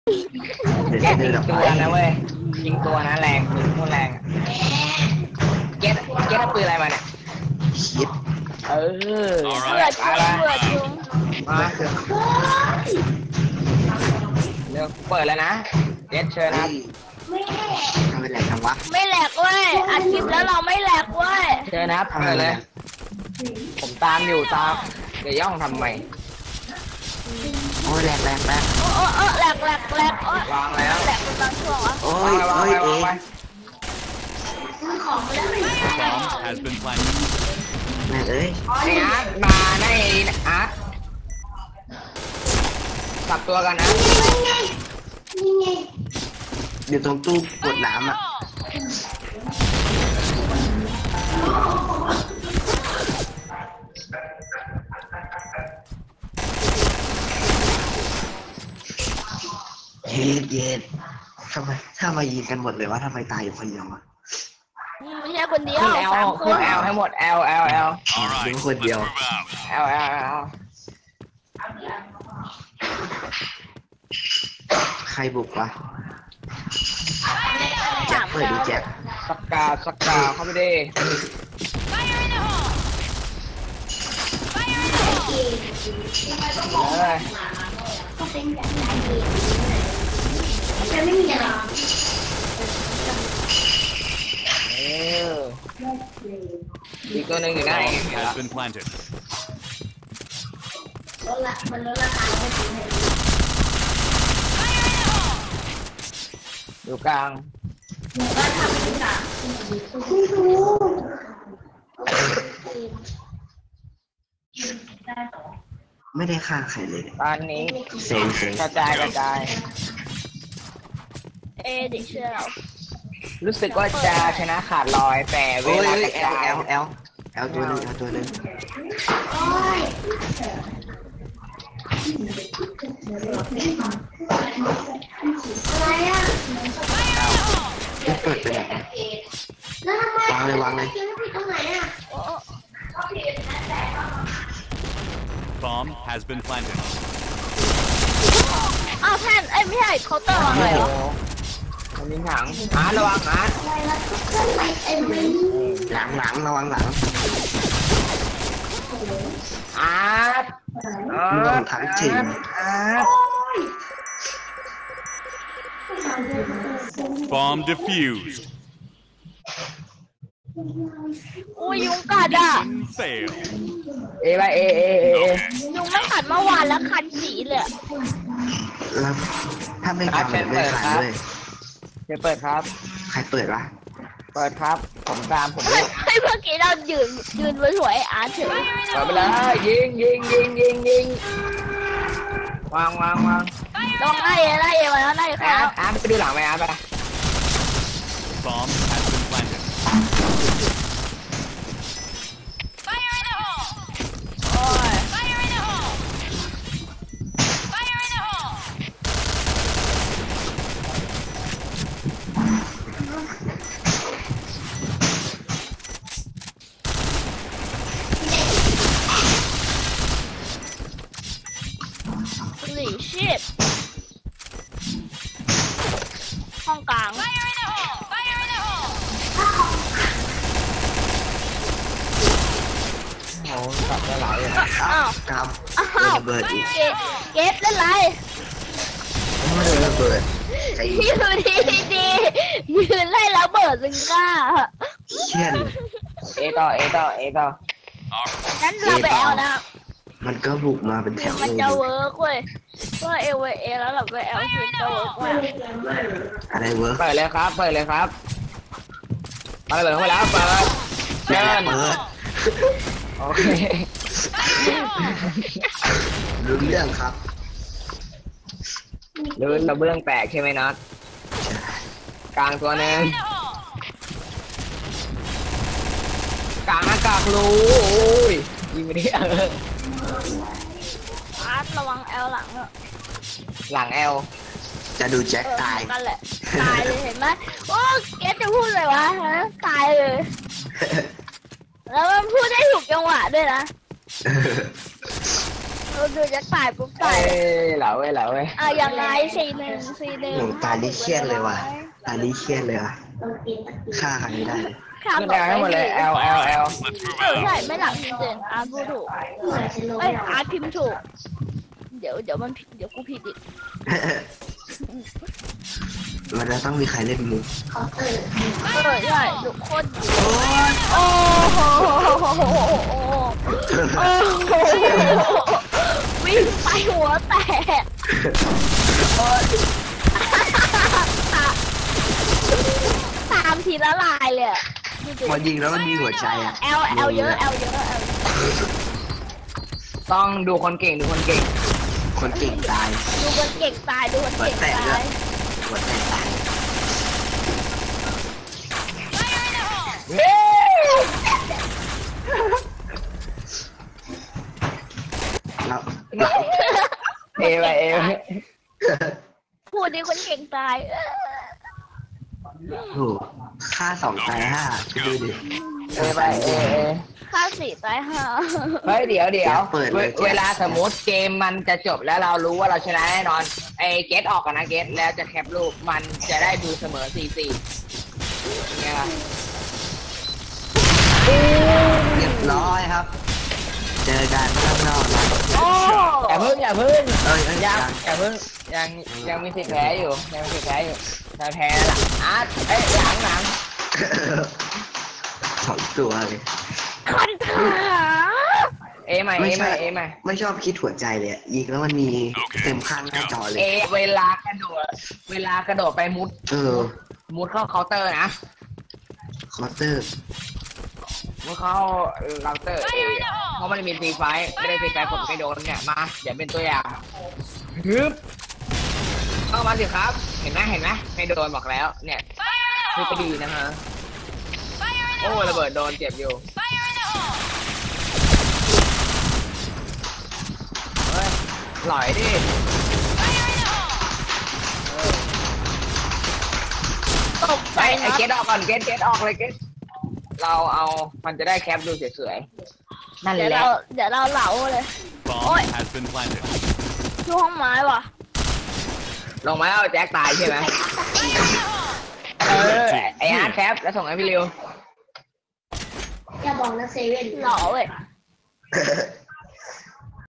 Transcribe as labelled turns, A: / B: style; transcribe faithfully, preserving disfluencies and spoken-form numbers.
A: เดี๋ยว
B: แค่
A: จะ
B: ยิ
A: เดิน
B: ง
A: ออก
B: ตั
A: ไป
B: วนะเว้ยยิงตัวนะแรงยิงโคตรแรงเก็ตเก็ตปืนอะไรมาเนี่ย
A: คิด
B: เออ
C: All
D: เบื่อ
C: right,
D: จุง
B: อะไร
D: เบื่อจุง
B: มาเร็วเปิดแล้วนะเก็ตเชิญนะ
A: ทำเป็นไรทำวะ
D: ไม่แหลกเว้ยอัดคลิปแล้วเราไม่แหลกเว้ย
B: เชิญนะครับเปิดเลย ผมตามอยู่ตามเดี๋ยวย่องทำไม
A: โอ้ยแหลกแหลกแหลก
D: โอ้โอ้โอ้แหลกแหลกแหลกโอ้
B: วางแล้ว
D: แหลกเป็นบางช่วงวะ
A: โอ้
B: วาง
A: ย
B: ไว้วาง
A: โอ้ย
B: ไว้
A: เอ
B: วางไว้
C: bomb has been planted.
A: แม่เอ้ย
B: ไอ้อาร์ตมาในอาร์ตสับตัวกันนะ
A: อยู่ตรงตู้กดน้ำอ่ะเย็ดเย็ดทำไมถ้ามายิงกันหมดเลยวะทำไมตายอยู่คนเดียววะ
D: ไม่ใช่คนเดียว
B: ขึ้นแอล
D: สามค
B: ขึ้น
D: น
B: แอลให้หมดแอลแอลแอล
C: All right,
A: Đúng
C: let's
A: rồi,
C: move
A: điều.
C: out.
B: แอลแอลแอล
A: ใครบุกวะแจ็คเปิดดูแจ็ค
B: สกาสกาเข้าไปดิเลย
E: ไม่มีอะไร
B: เอออีกตัวหนึ่งอยู่ไหน
C: Bomb has been planted.
E: ลดละมันลดราคาไม่ถึงเลย
B: อยู่กลาง
E: หนูก็ทำทุกอย่างไม่รู้
A: ไม่ได้ฆ่าใครเลยเนี่ย
B: ตอนนี้
A: เซ็งเซ็ง
B: กระจายกระจาย
D: เอเด็กเชื่อเรา
B: รู้สึกว่าจะชนะขาดลอยแต่เว
A: โอ้ย
B: ลา
A: เอ้
B: ก
A: ย
B: ระ
A: แอล
B: จาย
A: แอลแอลแอลตัวหนึงแอลตัวหนึง
E: โอ้ยอะไรอ่ะ
A: ไม่เปิดไปไหน
E: แล้วทำไม
A: วางเลยวางเลย
E: เขียนผิดตรงไหนอ่ะ
D: โอ้โอ้
C: Bomb has been planted.
D: อ้าวแพนเอ้ยไม่ใช่เคาน์เตอร์วาง
B: โอ้
D: เลย
B: โห
D: เหรอ
B: มันมีถังอาร์ตระวังอาร์ต
E: อะไรแล้วก็เคลื่อนไหวเต็มเลย
A: หลังหลังระวังหลัง
B: อาร์ตอาร์ต
A: โดนทั้งทีม
B: อาร์ต
C: Bomb defused.
D: อุ้ยยุงกัดอ่ะ
C: Fail.
B: เอไปเอเอเอเอ
D: ยุงไม่กัดเมื่อวานแล้วคันสีเลยอะ
A: แล้วถ้าไม่ทำแบบไม่ขายด้วย
B: เดี๋ยวเปิดครับ
A: ใครเปิดวะ
B: เปิดครับ ผมตามผม
D: เฮ้
B: ด้วย ย
D: เฮ้ยเมื่อกี้เรายืนยืนสวยๆไอ้อาร์ตเฉย
B: เปิดไปเลยยิงยิงยิงยิงยิงวางวางวาง
D: ลองไล่ไล่มาแล้วไล่
B: อา
D: เขา
B: ร์ตอาร์ตไปดูหลังไหมอาร์ตไป
C: Bomb has been planted.
D: โอ้ย หลีชิบห้องกลาง
B: โอ้กลับได้หลายเลย
D: อ้าว
A: ก
D: อ้า
A: ำโดน
D: ว
A: ระเบิดอีก
D: เกเก็บเล่นไร
A: ไม่โดนระเบิดใจ
D: ยืนดีดียืนไล่ระเบิดซึงกล้า
A: เชี่ยน
B: เอต่อเอต่อเอต่อ
D: งั้นเราไปเอานะ
A: มันก็บุกมาเป็นแถว
D: มัน
A: เลย
D: จะเวิร์กเว้ยว่าเอเวเอแล้วเราไปเอาคือจะเวิร์กเว้ย
A: อะไรเวิร์ก
B: เปิดเลยครับเปิดเลยครับมาเลยเปิดเข้าไปแล้วเปิดเชิญ
A: เปิด
B: โอเค
A: รู้เรื่องครับ
B: ลื่นระเบื้องแตกใช่ไหมน็อตกลางตัวหนึ่งกลางอากาศรูโอ้ยยิงไปดิเออ
D: อาร์ตระวังแอลหลังอะ
B: หลังแอล
A: จะดูแจ็ค
D: เออ
A: ตาย
D: กันแหละตายเลยเห็นไหมโอ้เกตจะพูดเลยวะฮะตายเลย แล้วมันพูดได้ถูกจังหวะด้วยนะ รดูดูจะตายปุ๊บ
B: เอ้
D: ตาย
B: ยเหล่าเว้ยเหล่าเว้ย
D: อ่ะยังไงสี่หนึ่งสี่หนึ่ง
A: โหตานี้เครียดเลยว่ะตานี้เครียดเลยว่ะ
E: ต้องกิน
A: ฆ่าใครไม่ได้เลย
D: ข้าม
B: ขึ้น
D: ต่
B: แด
D: อง
B: ให้หมดเลย L L L
D: เออใช่ไม่หลังจริงๆอาร์ตพูดถูก
E: เหมือนฉันรู้
D: เอ้ยอาร์ตพิมพ์ถูกเดี๋ยวเดี๋ยวมันผิดเดี๋ยวกูผิดอีก
A: มันจะต้องมีใครเล่นมุก
E: เคาน์เตอร์
D: เออใช่ทุกคนโอ้โหวิ่งไปหัวแตกตามทีละลายเลย
A: พอยิงแล้วมันมีหัวใจอ่ะ
D: แอลแอลเยอะแอลเยอะแอล
B: ต้องดูคนเก่งดูคนเก่ง
A: คนเก่งตาย
D: ดูคนเก่งตายดูคนเก่งตาย
A: หัวใจตายเราเรา
B: เอไปเอไป
D: พูดดิคนเก่งตาย
A: โหฆ่าสองตายห้าคิดดูดิ
B: เอไปเอเอ
D: ค่าสี่ตายห้า
B: เฮ้ยเดี๋ยวเดี๋ยว
A: เปิดเลย
B: เวลาสมมติเกมมันจะจบแล้วเรารู้ว่าเราชนะแน่นอนไอ้เกตออกกันนะเกตแล้วจะแคปรูปมันจะได้ดูเสมอสี่สี่เนี่ย
A: เรียบร้อยครับ เจอกันข้างนอกนะ
D: โอ้
B: อย่าพึ่งอย่าพึ่ง
A: เอ้ยเอ้ย
B: ยัง
A: ยัง
B: อย่าพึ่งยังยังมีสิทธิ์แพ้อยู่ยังมีสิทธิ์แพ้อยู่ถ้าแพ้ละอาร์ตเอ้ยหลังหลัง
A: สองตัวเลย
D: คันขา
B: เอใหม่เอใหม่เอใหม่
A: ไม่ชอบคิดหัวใจเลยอะยิงแล้วมันมีเต็มข้างหน้าจอเลย
B: เอเวลากระโดดเวลากระโดดไปมุด
A: เออ
B: มุดเข้าเคาน์เตอร์นะ
A: คอร์เตอร์
B: มุดเข้าเราเตอร์เอเพราะมันมีตีไฟไม่ได้ตีไฟผมไม่โดนเนี่ยมาเดี๋ยวเป็นตัวอย่างฮึบเข้ามาสิครับเห็นไหมเห็นไหมไม่โดนบอกแล้วเนี่ยคือก็ดีนะฮะโอ้ระเบิดโดนเจ็บอยู่เฮ้ยหล่อยดิ
D: ตกใจ
B: ไอ้
D: นะ
B: เกตออกก่อนเกตเกตออกเลยเกตเราเอามันจะได้แคปดูสวยๆนั่นแห
D: เดี๋ยว
B: ละ
D: เราเดี๋ยวเราเหลาเลย
C: Bomb has been planted.
D: ช่วห้องไม้ว่ะ
B: ลงมาแล้วแจ็คตายใช่ไหมเออไออาร์ตแคปแล้วส่งให้พี่ริว
E: อย่าบอกนะเซเว่น
D: เหลาเว้ย